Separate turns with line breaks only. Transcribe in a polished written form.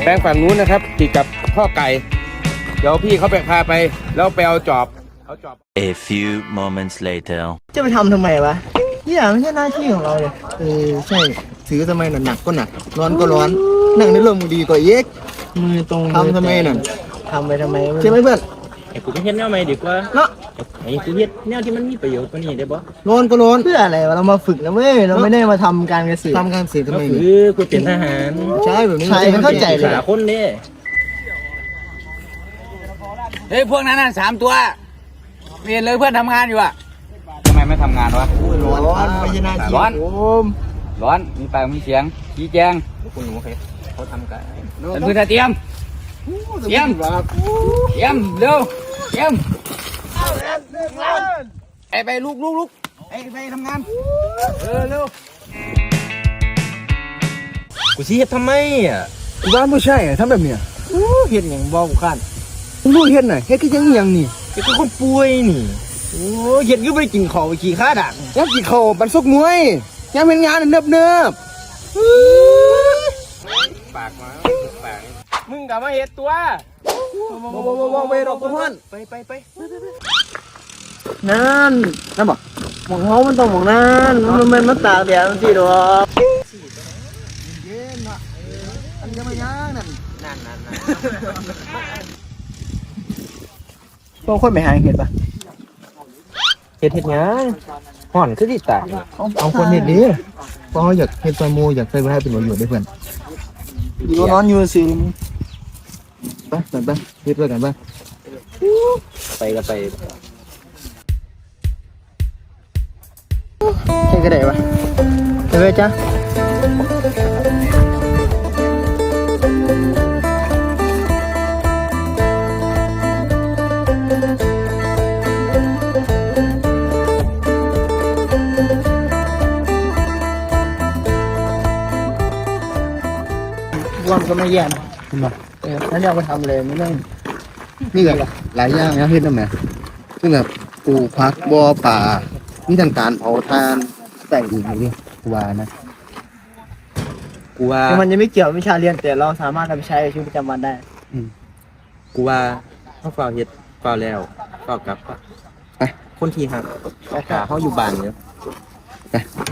แปลงฝั่งนู้นนะครับติดกับข้อไก่เดี๋ยวพี่เขาไปพาไปแล้วไปเอาจอบ
A few moments later
จะไปทำทำไมวะเนี่ยไม่ใช่หน้าที่ของเราเลยใช่ถือทำไมหนักก็หนักร้อนก็ร้อนนั่งในร่มดีกว่าเย็กมือตรงทำทำไมนั่นทำไปทำไมใช่ไหมเพื่อน
ไอ้กูไปเฮ็ดแนวใหม่ดีกว่า
เนาะ
ไอ้กูเฮ็ดแนวที่มันมีประโยชน์กว่านี้ได้บ่
ร้อนก็ร้อนเพื่ออะไรวะเรามาฝึกนะเว้ยเราไม่ได้มาทำการเกษตรทำการเกษตรทำไม
คือกูเป็นทหาร
ใช่แบบนี้ใช่เข้าใจเลย
หาคนเด้
เฮ้ยพวกนั้นน่ะ3 ตัวเรียนเลยเพื่อนทำงานอยู่อะทำไมไม่ทำงานวะ
ร้อนไม่ใช่หน้าที่
ร้อนมีปากมีเสียงชี้แจง
คุณหนูเขาทำกัน
เป็นพื้นเตรียมเร็วไปลุกไปทำงานเร็ว
กูสิเฮ็ดทำไมอ่ะ
กูว่าไม่ใช่ทำแบบเนี้ยเฮ็ดอย่างบอกกูขั้นรู้เฮ็ดหน่อยเฮ็ดคือยังนี่
ไอ้กูคนป่วยนี่
โอ้เฮ็ดคือไปกินข้าวไปขี่ข้าดักยังกินข้าวบันซกมวยยังเป็นงานเนิบ
ปากมาปาก
มึงกลับมาเฮ็ดตัว
บ่ไปดอกพ่อนไปนั่นบอกหมองเขามันต้องหมองนั่นมันมาตากแดดมันสิดอกเย็นอ่ะอันจะมาย่างนั่นพวกคนไปหาเห็ดปะ
เฮ็ดยังห่อนคือสิตาย
เอาคนเห็ดดีเพราะเขาอยากเห็ดปลาโมอยากใส่ไว้ให้เป็นประโยชน์ด้วยเพื่อนอยู่นอนอยู่สิไปเฮ็ดด้วยกัน
ไปก็ไป
ใช่ก็ได้ปะไปเลยจ้ะวันก็ไม่แย่นะเห็นไหมนั่นอยากไปทำเลยไม่ต้องนี่แบบหลายอย่างนะเฮ็ดได้ไหมซึ่งแบบปลูกผักบ่อป่ามีทางการเผาทานแต่งอีกนี่กูว่านะ
กูว่า
มันยังไม่เกี่ยววิชาเรียนแต่เราสามารถนำไปใช้ในชีวิตประจำวันได้
กูว่าเขาเฝ้าเฮ็ดเฝ้าแล้วเฝ้ากลับไปคนที่หักเขาอยู่บ้านเยอะไป